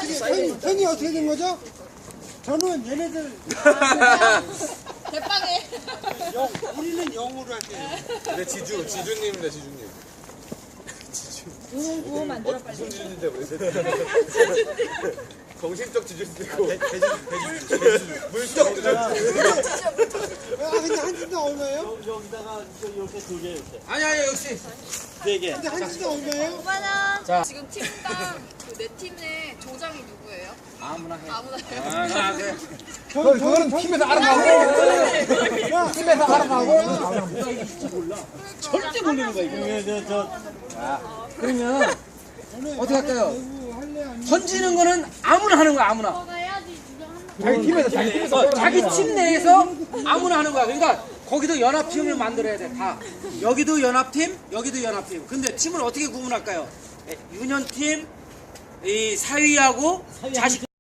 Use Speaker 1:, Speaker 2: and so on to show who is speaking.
Speaker 1: 편이 어떻게 된 거죠? 저는 얘네들
Speaker 2: 대빵해.
Speaker 1: 우리는 0으로 할게요.
Speaker 3: 네, 지주님입니다, 지주님.
Speaker 2: 구호 만들어 빨리.
Speaker 3: 무슨 지주인데, 우리 정신적 지주도 있고, 물적 지주.
Speaker 1: 아 근데 한 진당 얼마예요?
Speaker 4: 여기다가 이렇게 두 개 이렇게
Speaker 3: 아니, 역시.
Speaker 4: 네 개.
Speaker 1: 근데 한 진당 얼마예요?
Speaker 2: 5만원.
Speaker 3: 자.
Speaker 2: 지금 팀당 그 네 팀의 조장이 누구예요?
Speaker 3: 아무나 해.
Speaker 2: 아무나 해요.
Speaker 3: 아, 그래.
Speaker 1: 그거는 팀에서 알아가고 팀에서 알아가고
Speaker 4: 절대 모르는 거야 이거.
Speaker 5: 그러면 어떻게 할까요? 던지는 거는 아무나 하는 거야, 아무나. 자기 팀 내에서 아무나 하는 거야. 그러니까 거기도 연합팀을 만들어야 돼, 다. 여기도 연합팀, 여기도 연합팀. 근데 팀을 어떻게 구분할까요? 유년팀, 이 사위하고 자식